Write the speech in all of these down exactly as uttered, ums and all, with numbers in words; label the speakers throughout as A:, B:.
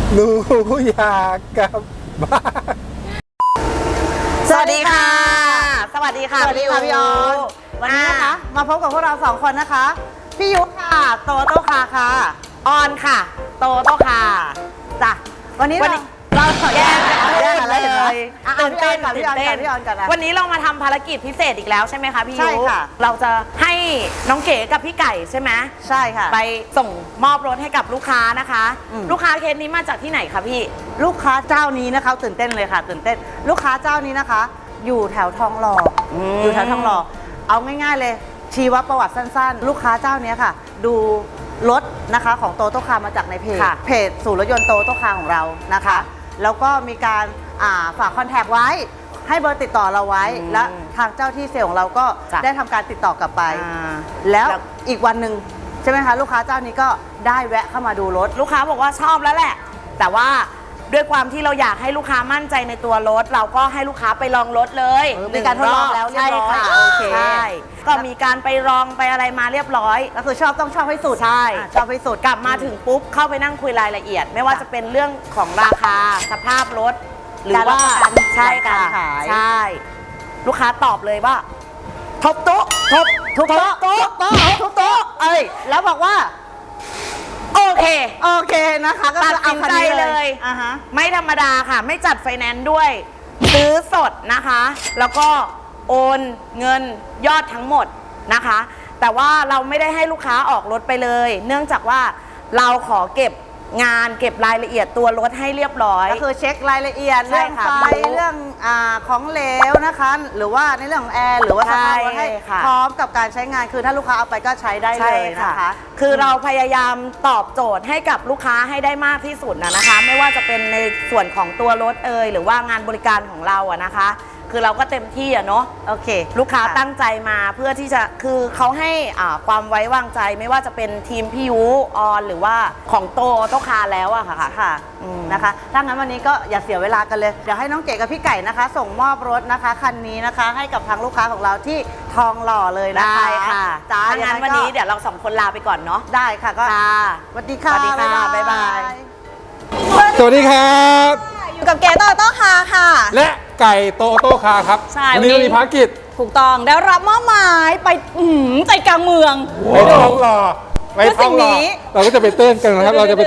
A: หนูอยากกลับบ้าน
B: สวัสดีค่ะสวัสดีค่ะ
C: สวัสดีค่ะพี่ออนวันนี้นะคะมาพบกับพวกเราสองคนนะคะพี่ยุค่ะโตโต้คาค่ะ
B: ออนค่ะโตโต้ค่ะ
C: จ้ะวันนี้
B: วัน
C: เรา
B: นี้เราแยก
C: แยกกันแล้วเห็นไหม
B: เลย
C: อ่ะ
B: ตื่นเต้น
C: พี่ออนก่อนพี่ออนก่อนพี่ออนก่อนนะ
B: วันนี้เรามาทำภารกิจพิเศษอีกแล้วใช่ไหมคะพี่ยุ
C: ใช่ค่ะ
B: เราจะให้น้องเก๋กับพี่ไก่ใช่ไหม
C: ใช่ค่ะ
B: ไปส่งมอบรถให้กับลูกค้านะคะ
C: อืม
B: ลูกค้าเคสนี้มาจากที่ไหนคะพี่
C: ลูกค้าเจ้านี้นะคะตื่นเต้นเลยค่ะตื่นเต้นลูกค้าเจ้านี้นะคะ อยู่แถวทองหล่ออ
B: ม
C: อยู่แถวทองหล่อเอาง่ายๆเลย ชีวประวัติสั้นๆ ลูกค้าเจ้านี้ค่ะ ดูรถนะคะของโตโต้คาร์มาจากในเพจ
B: ค่ะ
C: เพจศูนย์รถยนต์โตโต้คาร์ของเรานะคะ แล้วก็มีการอ่าฝากคอนแทคไว้ ให้เบอร์ติดต่อเราไว้
B: อืม
C: และทางเจ้าที่เซลล์ของเราก็
B: จ้ะ
C: ได้ทำการติดต่อกลับไป
B: อ่า
C: แล้ว
B: แล้ว
C: อีกวันหนึ่งใช่ไหมคะลูกค้าเจ้านี้ก็ได้แวะเข้ามาดูรถ
B: ลูกค้าบอกว่าชอบแล้วแหละ แต่ว่าด้วยความที่เราอยากให้ลูกค้ามั่นใจในตัวรถ เราก็ให้ลูกค้าไปลองรถเลย
C: เออมีการทดลองแล้วเรียบร้อย
B: ใช่ค่ะ
C: โอเค
B: ใช่ก็มีการไปลองไปอะไรมาเรียบร้อย
C: ก็คือชอบต้องชอบให้สุด
B: ใช่
C: อ่ะชอบให้สุด
B: กลับมาถึงปุ๊บเข้าไปนั่งคุยรายละเอียด ไม่ว่าจะเป็นเรื่องของราคาสภาพรถ หรือว่า
C: การรับประกัน
B: ใช่ค่ะ
C: การขาย
B: ใช่ ลูกค้าตอบเลยว่าทบโต๊ะทบ
C: ทุบโต๊ะ
B: โต๊ะ
C: ทุบโต๊ะทุบโต๊ะเอ้ยแล้วบอกว่า
B: โอเค
C: โอเคนะคะก็
B: ตัด
C: คือเอา
B: สิน
C: คัน
B: ใจ
C: นี้
B: เลย
C: อ่าฮะ
B: ไม่ธรรมดาค่ะ ไม่จัดไฟแนนซ์ด้วย ซื้อสดนะคะ แล้วก็โอนเงินยอดทั้งหมดนะคะ แต่ว่าเราไม่ได้ให้ลูกค้าออกรถไปเลย เนื่องจากว่าเราขอเก็บงานเก็บรายละเอียดตัวรถให้เรียบร้อย
C: ก็คือเช็ครายละเอียด
B: ใช่
C: เรื่อง
B: ค่ะ
C: ไฟ
B: รู้
C: เรื่องอ่าของเหลวนะคะ หรือว่าในเรื่องของแอร์หรือว่าสภาพรถให้
B: ใช่ค่ะ
C: พร้อมกับการใช้งานคือถ้าลูกค้าเอาไปก็ใช้ได้เลยนะคะ
B: คือเราพยายามตอบโจทย์ให้กับลูกค้าให้ได้มากที่สุดนะนะคะ ไม่ว่าจะเป็นในส่วนของตัวรถเอ่ยหรือว่างานบริการของเราอะนะคะ คือเราก็เต็มที่อะเนาะ
C: โอเค
B: ลูกค้าตั้งใจมาเพื่อที่จะคือเขาให้อ่าความไว้วางใจไม่ว่าจะเป็นทีมพี่ยุออนหรือว่าของโตโตคาร์แล้วอะค่ะ
C: ค่ะ
B: อืม
C: นะคะถ้างั้นวันนี้ก็อย่าเสียเวลากันเลย เดี๋ยวให้น้องเก๋กับพี่ไก่นะคะ ส่งมอบรถนะคะคันนี้นะคะ ให้กับทางลูกค้าของเราที่ทองหล่อเลยนะคะ
B: ได้ค่ะ
C: จ้า
B: ถ้างั้นวันนี้เดี๋ยวเราสองคนลาไปก่อนเนาะ
C: ได้ค่ะก็
B: ค่ะ
C: สวัสดีค่ะ
B: สวัสดีค่ะบ๊ายบาย
A: สวัสดีครับ
D: อยู่กับเก๋โตโต้คาร์ค่ะ
A: และไก่โตโต้คาร์ครับ
D: ใช่
A: วันนี้
D: วัน
A: เรา
D: นี้
A: มีภารกิจ
D: ถูกต้องได้รับมอบหมายไปอื้อหือใจกลางเมือง
A: ไปท้องหล่อไปท้องหล่อ
D: เพื่อสิ่งนี้
A: เราก็จะไปเต้นกันนะครับ เราจะไป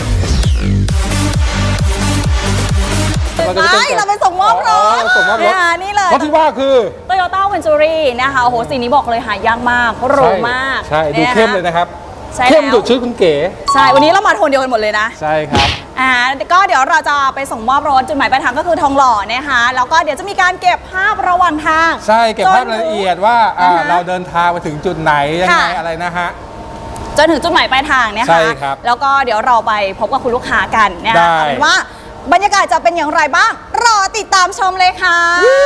A: เราจะไปเต้น
D: ไม่
A: กัน
D: เราไปส่งมอบรถ
A: เราส่งมอบรถ
D: เนี่ยนี่เลย
A: รถที่ว่าคือ
D: Toyota Ventury นะคะโอ้โหสีนี้บอกเลยหายากมากเพราะหรูมาก
A: ใช่ใช่ดู
D: นี่ย
A: เข้มเลยนะครับ
D: ใช่
A: เข้ม
D: แล้ว
A: ดุดชื่อคุณเก๋
D: ใช่วันนี้เรามาโทนเดียวกันหมดเลยนะ
A: ใช่ครับ
D: อ่าก็เดี๋ยวเราจะไปส่งมอบรถจุดหมายปลายทางก็คือทองหล่อนะคะแล้วก็เดี๋ยวจะมีการเก็บภาพระหว่างทาง
A: ใช่เก็บภาพรายละเอียดว่าอ่า
D: อ่าฮะ
A: เราเดินทางไปถึงจุดไหนยังไง
D: ค่ะ
A: อะไรนะฮะ
D: จนถึงจุดหมายปลายทางเนี่ย
A: ใช่
D: ค่ะ
A: ครับ
D: แล้วก็เดี๋ยวเราไปพบกับคุณลูกค้ากันนะ
A: ได้
D: คะเอาเป็นว่าบรรยากาศจะเป็นอย่างไรบ้าง รอติดตามชมเลยค่ะ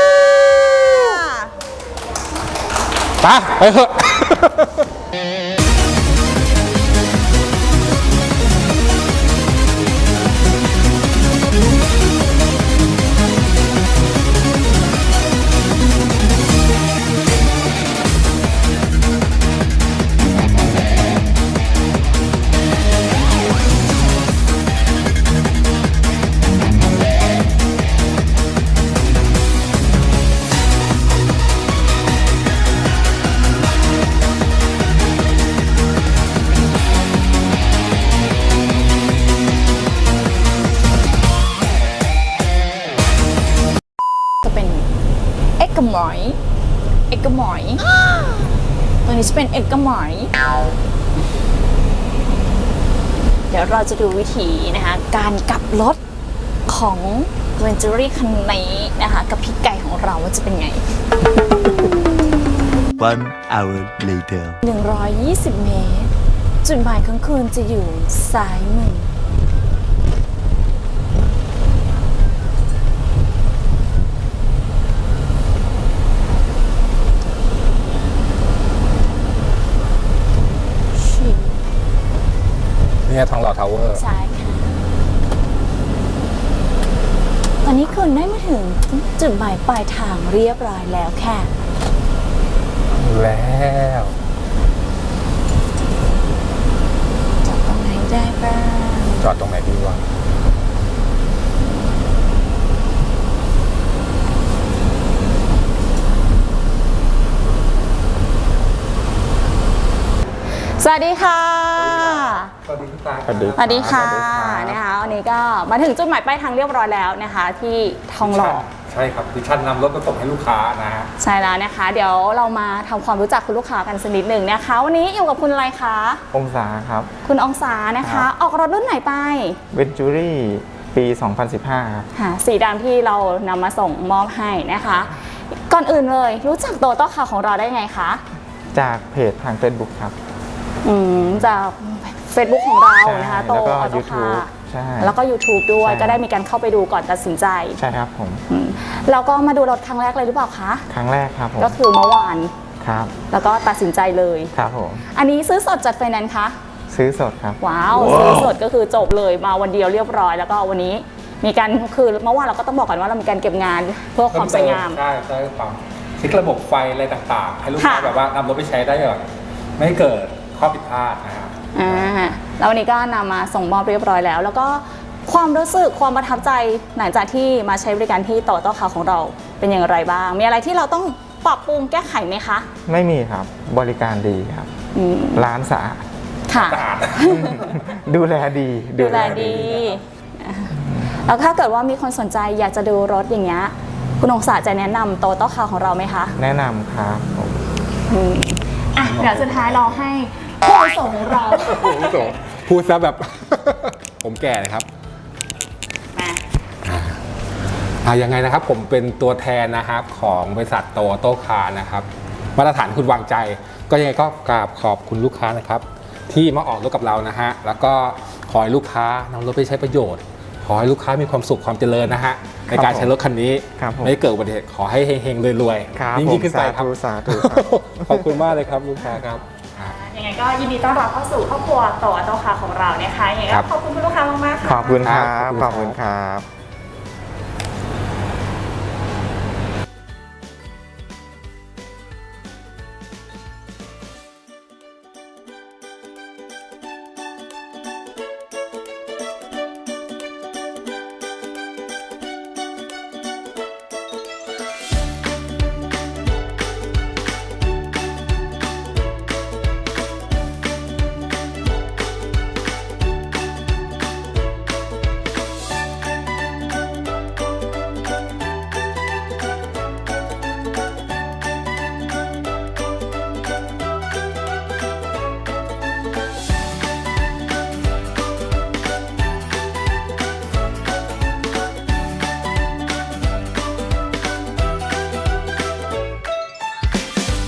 A: ไปไปเถอะ
D: จะเป็นเอ็กกะหมอยเอ็กกะหมอยตัวนี้จะเป็นเอ็กกะหมอยเดี๋ยวเราจะดูวิธีนะคะการกลับรถของ Ventury คันนี้นะคะกับพี่ไก่ของเราว่าจะเป็นไง
E: One hour later.
D: หนึ่งร้อยยี่สิบเมตร จุดหมายของคุณจะอยู่ซ้ายมือชิว
A: เนี่ยทองหล่อทาวเวอร์
D: ซ้ายค่ะ ตอนนี้คุณได้มาถึงจุดหมายปลายทางเรียบร้อยแล้วค่ะ
A: แล้ว
D: จอดตรงไหนได้บ้าง
A: จอดตรงไหนดีวะ
D: สวัสดีค่ะ
A: สวัสดีคุณตา
F: สวัสดี
D: สวัสดีค่ะ
F: สวัสดีครับ
D: นะคะวันนี้ก็มาถึงจุดหมายปลายทางเรียบร้อยแล้วนะคะ ที่ทองหล่อ
A: ใช่ครับดิฉันนำรถมาส่งให้ลูกค้านะฮะ
D: ใช่แล้วนะคะ เดี๋ยวเรามาทำความรู้จักคุณลูกค้ากันสักนิดหนึ่งนะคะ วันนี้อยู่กับคุณอะไรคะ
F: องศาครับ
D: คุณองศานะ
F: ครั
D: คะ
F: บ
D: ออกรถรุ่นไหนไป
F: เวนจูรี่ปี สองพันสิบห้า ครับ
D: ค่ะสีดำที่เรานำมาส่งมอบให้นะคะ ก่อนอื่นเลยรู้จักโตโต้คาร์ของเราได้ไงคะ
F: จากเพจทาง Facebook ครับ
D: อืมจาก Facebook ของเรานะคะโต
F: แล้วก็
D: ออโต้คา
F: YouTube
D: ร์
F: ใช่
D: แล้วก็ YouTube ด้วย
F: ใช่
D: ก็ได้มีการเข้าไปดูก่อนตัดสินใจ
F: ใช่ครับผม
D: อืมแล้วก็มาดูรถครั้งแรกเลยหรือเปล่าคะ
F: ครั้งแรกครับผม
D: ก็คือเมื่อวาน
F: ครับ
D: แล้วก็ตัดสินใจเลย
F: ครับผม
D: อันนี้ซื้อสดจัดไฟแนนซ์คะ
F: ซื้อสดครับ
D: ว้าวซื้อสดก็คือจบเลยมาวันเดียวเรียบร้อย แล้วก็วันนี้มีการคือเมื่อวานเราก็ต้องบอกกันว่าเรามีการเก็บงานเพื่อความสวยงาม
A: ใช่ใช่ความเช็คระบบไฟอะไรต่างๆ ให้ลูกค้า
D: ค่ะ
A: แบบว่านำรถไปใช้ได้แบบไม่ให้เกิดข้อผิดพลาดนะครับ
D: อ่าแล้ววันนี้ก็นำมาส่งมอบเรียบร้อยแล้ว แล้วก็ความรู้สึกความประทับใจหลังจากที่มาใช้บริการที่โตโต้คาร์ของเราเป็นอย่างไรบ้าง มีอะไรที่เราต้องปรับปรุงแก้ไขไหมคะ
F: ไม่มีครับ บริการดีครับ
D: อืม
F: ร้านสะอาด
D: ค่ะ
A: สะอาด
F: ดูแลดี
D: ดูแลดีอ่าแล้วถ้าเกิดว่ามีคนสนใจอยากจะดูรถอย่างเงี้ยคุณองศาจะแนะนำโตโต้คาร์ของเราไหมคะ
F: แนะนำครับผม
D: อืมอ่ะเดี๋ยวสุดท้ายเราให้ผู้อาวุโสของเรา
A: พูดซะแบบ ผมแก่เลยครับ
D: มา
A: อ่ายังไงนะครับผมเป็นตัวแทนนะครับของบริษัทโตโต้คาร์นะครับมาตรฐานคุณวางใจ ก็ยังไงก็กราบขอบคุณลูกค้านะครับ ที่มาออกรถกับเรานะฮะแล้วก็ขอให้ลูกค้านำรถไปใช้ประโยชน์ ขอให้ลูกค้ามีความสุขความเจริญนะฮะในการใช้รถคันนี้
F: ครับผม
A: ไม่เกิดอุบัติเหตุขอให้เฮงๆรวย
F: ครับ
A: ๆยิ่ง
F: ผม
A: ยิ่งขึ้นไป
F: สา
A: ครับ
F: ธุสาธุครับ
A: ขอบคุณมากเลยครับลูกค้าครับอ่า
D: ยังไงก็ยินดีต้อนรับเข้าสู่ครอบครัวโตโต้คาร์ของเรานะคะยังไง
A: ครั
D: ก็
A: บ
D: ขอบคุณคุณลูกค้ามากๆค่ะ
F: ขอบคุณครับ
A: ครับ
F: ขอบคุณครับ